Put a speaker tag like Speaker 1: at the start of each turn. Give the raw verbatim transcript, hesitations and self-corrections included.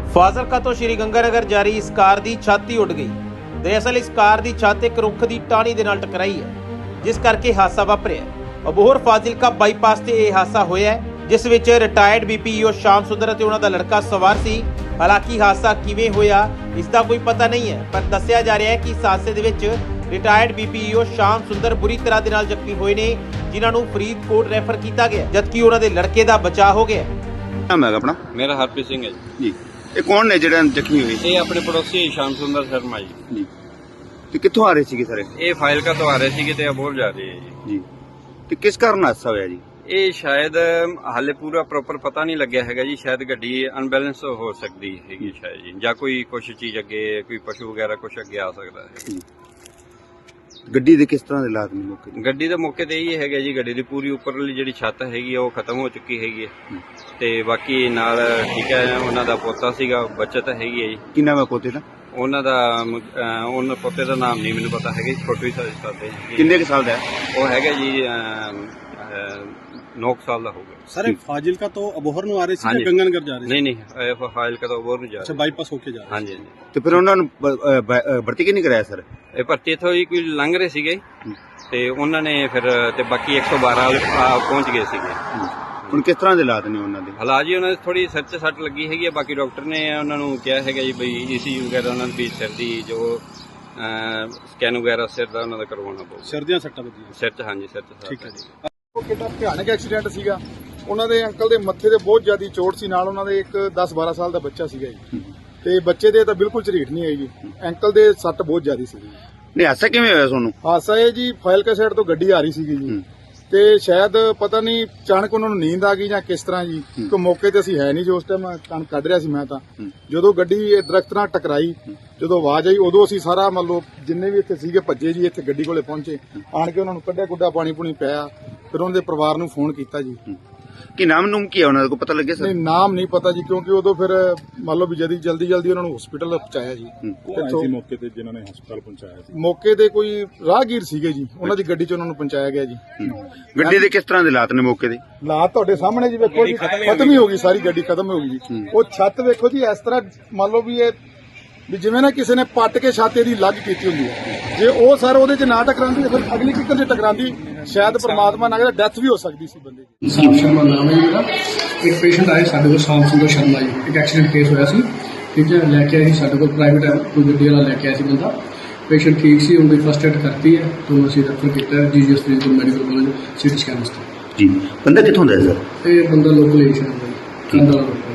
Speaker 1: ਫਾਜ਼ਿਲਕਾ ਤੋਂ ਸ਼੍ਰੀ ਗੰਗਾਨਗਰ ਜਾ ਰਹੀ ਇਸ ਕਾਰ ਦੀ ਛੱਤ ਹੀ ਉੱਡ ਗਈ। ਦਰਅਸਲ ਇਸ ਕਾਰ ਦੀ ਛੱਤ ਇੱਕ ਰੁੱਖ ਦੀ ਟਾਹਣੀ ਦੇ ਨਾਲ ਟਕਰਾਈ ਹੈ, ਜਿਸ ਕਰਕੇ ਹਾਦਸਾ ਵਾਪਰਿਆ। ਅਬੋਹਰ ਫਾਜ਼ਿਲਕਾ ਬਾਈਪਾਸ ਤੇ ਇਹ ਹਾਦਸਾ ਹੋਇਆ ਹੈ, ਜਿਸ ਵਿੱਚ ਰਿਟਾਇਰਡ ਬੀਪੀਓ ਸ਼ਾਮ ਸੁੰਦਰ ਅਤੇ ਉਹਨਾਂ ਦਾ ਲੜਕਾ ਸਵਾਰ ਸੀ। ਹਾਲਾਂਕਿ ਹਾਦਸਾ ਕਿਵੇਂ ਹੋਇਆ ਇਸ ਦਾ ਕੋਈ ਪਤਾ ਨਹੀਂ ਹੈ, ਪਰ ਦੱਸਿਆ ਜਾ ਰਿਹਾ ਹੈ ਕਿ ਇਸ ਹਾਦਸੇ ਦੇ ਵਿੱਚ ਰਿਟਾਇਰਡ ਬੀਪੀਓ ਸ਼ਾਮ ਸੁੰਦਰ ਬੁਰੀ ਤਰ੍ਹਾਂ ਦੇ ਨਾਲ ਜ਼ਖਮੀ ਹੋਏ ਨੇ, ਜਿਨ੍ਹਾਂ ਨੂੰ ਫਰੀਦਕੋਟ ਰੈਫਰ ਕੀਤਾ ਗਿਆ, ਜਦਕਿ ਉਹਨਾਂ ਦੇ ਲੜਕੇ ਦਾ ਬਚਾਅ ਹੋ ਗਿਆ।
Speaker 2: ਨਾਮ ਹੈ ਆਪਣਾ?
Speaker 3: ਮੇਰਾ ਹਰਪ੍ਰੀਤ ਸਿੰਘ ਹੈ
Speaker 2: ਜੀ। ਇਹ ਕੌਣ ਨੇ ਜਿਹੜਾ ਜ਼ਖਮੀ ਹੋਏ?
Speaker 3: ਇਹ ਆਪਣੇ ਪੜੋਸੀ ਸ਼ਾਮ ਸੁੰਦਰ ਸ਼ਰਮਾ ਜੀ।
Speaker 2: ਜੀ। ਤੇ ਕਿੱਥੋਂ ਆ ਰਹੇ ਸੀਗੇ ਸਾਰੇ?
Speaker 3: ਇਹ ਫਾਜ਼ਿਲਕਾ ਤੋਂ ਆ ਰਹੇ ਸੀਗੇ ਤੇ ਅਬੋਹਰ ਜਾ ਰਹੇ ਹੈ ਜੀ।
Speaker 2: ਜੀ। ਤੇ ਕਿਸ ਕਾਰਨ ਹਾਦਸਾ ਹੋਇਆ ਜੀ?
Speaker 3: ਇਹ ਸ਼ਾਇਦ ਹਾਲੇ ਪੂਰਾ ਪ੍ਰੋਪਰ ਪਤਾ ਨਹੀਂ ਲੱਗਿਆ ਹੈਗਾ ਜੀ। ਸ਼ਾਇਦ ਗੱਡੀ ਅਨਬੈਲੈਂਸ ਹੋ ਸਕਦੀ ਹੈਗੀ ਸ਼ਾਇਦ ਜੀ, ਜਾਂ ਕੋਈ ਕੁਛ ਚੀਜ਼ ਅੱਗੇ, ਕੋਈ ਪਸ਼ੂ ਵਗੈਰਾ ਕੁਛ ਅੱਗੇ ਆ ਸਕਦਾ ਹੈ।
Speaker 2: ਗੱਡੀ ਦੇ ਕਿਸ ਤਰ੍ਹਾਂ ਦੇ ਹਾਲਾਤ ਨੇ ਮੌਕੇ ਤੇ?
Speaker 3: ਗੱਡੀ ਦੇ ਮੌਕੇ ਤੇ ਇਹ ਹੈਗਾ ਜੀ, ਗੱਡੀ ਦੀ ਪੂਰੀ ਉੱਪਰਲੀ ਜਿਹੜੀ ਛੱਤ ਹੈਗੀ ਆ ਉਹ ਖਤਮ ਹੋ ਚੁੱਕੀ ਹੈਗੀ ਹੈ, ਤੇ ਬਾਕੀ ਨਾਲ ਠੀਕ ਹੈ ਉਹਨਾਂ ਦਾ ਪੋਤਾ ਸੀਗਾ, ਬੱਚਤ ਹੈਗੀ ਹੈ ਜੀ।
Speaker 2: ਕੀ ਨਾਮ ਹੈ ਪੋਤੇ ਦਾ?
Speaker 3: ਉਹਨਾਂ ਦਾ ਅਹ, ਉਹਨਾਂ ਪੋਤੇ ਦਾ ਨਾਮ ਨਹੀਂ ਮੈਨੂੰ ਪਤਾ ਹੈਗਾ, ਛੋਟੂ ਹੀ ਸਾਡੇ।
Speaker 2: ਕਿੰਨੇ ਕੁ ਸਾਲ ਦਾ ਹੈ?
Speaker 3: ਉਹ ਹੈਗਾ ਜੀ ਨੌ ਸਾਲ ਦਾ ਹੋਊਗਾ।
Speaker 4: ਸਰ ਫਾਜ਼ਿਲਕਾ ਤੋਂ ਅਬੋਹਰ ਨੂੰ ਆ ਰਹੇ ਸੀ
Speaker 3: ਹਾਂਜੀ।
Speaker 4: ਜਾਂ ਗੰਗਾਨਗਰ ਜਾ ਰਹੇ ਸੀ?
Speaker 3: ਨਹੀਂ ਨਹੀਂ ਇਹ ਫਾਜ਼ਿਲਕਾ ਤੋਂ ਅਬੋਹਰ ਨੂੰ ਜਾ
Speaker 4: ਅੱਛਾ,
Speaker 3: ਰਹੇ।
Speaker 4: ਬਾਈਪਾਸ ਹੋ ਕੇ ਜਾ ਰਹੇ
Speaker 3: ਹਾਂਜੀ ਹਾਂਜੀ।
Speaker 2: ਤੇ ਫਿਰ ਉਹਨਾਂ ਨੂੰ ਬ- ਅ, ਬ- ਅ, ਭਰਤੀ ਕਿ ਨਹੀਂ ਕਰਾਇਆ ਸਰ?
Speaker 3: ਇਹ ਭਰਤੀ ਇੱਥੋਂ ਹੀ ਕੋਈ ਲੰਘ ਰਹੇ ਸੀਗੇ ਤੇ ਉਹਨਾਂ ਨੇ ਫਿਰ ਤੇ ਬਾਕੀ ਇੱਕ ਸੌ ਬਾਰਾਂ ਵਾਲੇ ਆ ਪਹੁੰਚ ਗਏ ਸੀਗੇ।
Speaker 2: ਹੁਣ ਕਿਸ ਤਰ੍ਹਾਂ ਦੇ ਹਾਲਾਤ ਨੇ ਉਹਨਾਂ ਦੇ?
Speaker 3: ਹਾਲਾਤ ਜੀ ਉਹਨਾਂ ਦੀ ਥੋੜੀ ਸਿਰ 'ਚ ਸੱਟ ਲੱਗੀ ਹੈਗੀ ਹੈ। ਬਾਕੀ ਡਾਕਟਰ ਨੇ ਉਹਨਾਂ ਨੂੰ ਕਿਹਾ ਹੈਗਾ ਜੀ ਬਈ ਈਸੀਯੂ ਵਗੈਰਾ ਉਹਨਾਂ ਦੀ ਸਿਰ ਦੀ ਜੋ ਸਕੈਨ ਵਗੈਰਾ ਸਿਰ ਦਾ ਉਹਨਾਂ ਦਾ ਕਰਵਾਉਣਾ ਪਊਗਾ।
Speaker 4: ਸਿਰ ਦੀਆਂ ਸੱਟਾਂ ਵੱਜੀਆਂ?
Speaker 3: ਸਿਰ 'ਚ ਹਾਂਜੀ, ਸਿਰ 'ਚ।
Speaker 4: ਠੀਕ ਹੈ ਜੀ।
Speaker 5: ਉਹ ਕਿੰਨਾ ਭਿਆਨਕ ਐਕਸੀਡੈਂਟ ਸੀਗਾ। ਉਹਨਾਂ ਦੇ ਅੰਕਲ ਦੇ ਮੱਥੇ ਤੇ ਬਹੁਤ ਜ਼ਿਆਦਾ ਚੋਟ ਸੀ, ਨਾਲ ਉਹਨਾਂ ਦੇ ਇੱਕ ਦਸ ਬਾਰਾਂ ਸਾਲ ਦਾ ਬੱਚਾ ਸੀਗਾ ਜੀ, ਤੇ ਬੱਚੇ ਦੇ ਤਾਂ ਬਿਲਕੁਲ ਝਰੀਟ ਨਹੀਂ ਆਈ ਜੀ। ਅੰਕਲ ਦੇ ਸੱਟ ਬਹੁਤ ਜ਼ਿਆਦਾ ਸੀ।
Speaker 2: ਨਹੀਂ, ਹਾਦਸਾ ਕਿਵੇਂ ਹੋਇਆ ਤੁਹਾਨੂੰ?
Speaker 5: ਹਾਦਸਾ ਇਹ ਜੀ ਫਾਜ਼ਿਲਕਾ ਸਾਈਡ ਤੋਂ ਗੱਡੀ ਆ ਰਹੀ ਸੀਗੀ ਜੀ, ਤੇ ਸ਼ਾਇਦ ਪਤਾ ਨਹੀਂ ਅਚਾਨਕ ਉਹਨਾਂ ਨੂੰ ਨੀਂਦ ਆ ਗਈ ਜਾਂ ਕਿਸ ਤਰ੍ਹਾਂ ਜੀ, ਕਿਉਂਕਿ ਮੌਕੇ ਤੇ ਅਸੀਂ ਹੈ ਨਹੀਂ ਜੀ ਉਸ ਟਾਈਮ, ਕਣਕ ਕੱਢ ਰਿਹਾ ਸੀ ਮੈਂ ਤਾਂ। ਜਦੋਂ ਗੱਡੀ ਇਹ ਦਰਖਤ ਨਾਲ ਟਕਰਾਈ, ਜਦੋਂ ਆਵਾਜ਼ ਆਈ ਉਦੋਂ ਅਸੀਂ ਸਾਰਾ ਮੰਨ ਲਓ ਜਿੰਨੇ ਵੀ ਇੱਥੇ ਸੀਗੇ ਭੱਜੇ ਜੀ, ਇੱਥੇ ਗੱਡੀ ਕੋਲੇ ਪਹੁੰਚੇ, ਆਣ ਕੇ ਉਹਨਾਂ ਨੂੰ ਕੱਢਿਆ ਗੁੱਡਾ ਪਾਣੀ ਪੂਣੀ ਪਿਆ, ਫਿਰ ਉਹਨਾਂ ਦੇ ਪਰਿਵਾਰ ਨੂੰ ਫੋਨ ਕੀਤਾ ਜੀ।
Speaker 2: ਕੀ ਨਾਮ ਨੂਮ ਕੀ ਹੈ ਉਹਨਾਂ ਦਾ, ਕੋਈ ਪਤਾ ਲੱਗਿਆ ਸਰ?
Speaker 5: ਨਹੀਂ, ਨਾਮ ਨਹੀਂ ਪਤਾ ਜੀ, ਕਿਉਂਕਿ ਉਦੋਂ ਫਿਰ ਮੰਨ ਲਓ ਵੀ ਜਲਦੀ ਜਲਦੀ ਜਲਦੀ ਉਹਨਾਂ ਨੂੰ ਹਸਪੀਟਲ ਪਹੁੰਚਾਇਆ ਜੀ।
Speaker 4: ਇੱਥੋਂ ਮੌਕੇ ਤੇ ਜਿਨ੍ਹਾਂ ਨੇ ਹਸਪਤਾਲ ਪਹੁੰਚਾਇਆ ਸੀ?
Speaker 5: ਮੌਕੇ ਤੇ ਕੋਈ ਰਾਹਗੀਰ ਸੀਗੇ ਜੀ, ਉਹਨਾਂ ਦੀ ਗੱਡੀ 'ਚ ਉਹਨਾਂ ਨੂੰ ਪਹੁੰਚਾਇਆ ਗਿਆ ਜੀ।
Speaker 2: ਗੱਡੀ ਦੇ ਕਿਸ ਤਰ੍ਹਾਂ ਦੇ ਹਾਲਾਤ ਨੇ ਮੌਕੇ ਦੇ?
Speaker 5: ਹਾਲਾਤ ਤੁਹਾਡੇ ਸਾਹਮਣੇ ਜੀ, ਵੇਖੋ ਜੀ, ਖਤਮ ਹੀ ਹੋ ਗਈ ਸਾਰੀ ਗੱਡੀ, ਖਤਮ ਹੋ ਗਈ ਜੀ। ਉਹ ਛੱਤ ਵੇਖੋ ਜੀ, ਇਸ ਤਰ੍ਹਾਂ ਮੰਨ ਲਓ ਵੀ ਇਹ ਵੀ ਜਿਵੇਂ ਨਾ ਕਿਸੇ ਨੇ ਪੱਟ ਕੇ ਛੱਤ ਇਹਦੀ ਲੱਗ ਕੀਤੀ ਹੁੰਦੀ ਹੈ। ਜੇ ਉਹ ਸਰ ਉਹਦੇ 'ਚ ਨਾ ਟਕਰਾਉਂਦੀ ਫਿਰ ਅਗਲੀ ਕਿੱਕਰ 'ਚ ਟਕਰਾਉਂਦੀ, ਸ਼ਾਇਦ ਪ੍ਰਮਾਤਮਾ ਨਾ ਕਰੇ ਡੈਥ ਵੀ ਹੋ ਸਕਦੀ ਸੀ ਬੰਦੇ ਦੀ।
Speaker 6: ਸ਼ਾਮ ਸ਼ਰਮਾ ਨਾਮ ਹੈ ਮੇਰਾ। ਇੱਕ ਪੇਸ਼ੈਂਟ ਆਇਆ ਸਾਡੇ ਕੋਲ, ਸ਼ਾਮ ਸੁੰਦਰ ਸ਼ਰਮਾ ਜੀ। ਇੱਕ ਐਕਸੀਡੈਂਟ ਕੇਸ ਹੋਇਆ ਸੀ, ਠੀਕ ਹੈ, ਲੈ ਕੇ ਆਏ ਸੀ ਸਾਡੇ ਕੋਲ, ਪ੍ਰਾਈਵੇਟ ਕੋਈ ਗੱਡੀ ਵਾਲਾ ਲੈ ਕੇ ਆਇਆ ਸੀ ਬੰਦਾ। ਪੇਸ਼ੈਂਟ ਠੀਕ ਸੀ, ਉਹਦੀ ਫਸਟ ਏਡ ਕਰਤੀ ਹੈ, ਤੋਂ ਅਸੀਂ ਰੈਫਰ ਕੀਤਾ GGS Faridkot medical college city scan ਵਾਸਤੇ।
Speaker 2: ਜੀ। ਬੰਦਾ ਕਿੱਥੋਂ ਦਾ ਹੈ ਸਰ?
Speaker 6: ਇਹ ਬੰਦਾ ਲੋਕਲ ਏਸ਼ੀਆ ਦਾ ਕੰਦਾ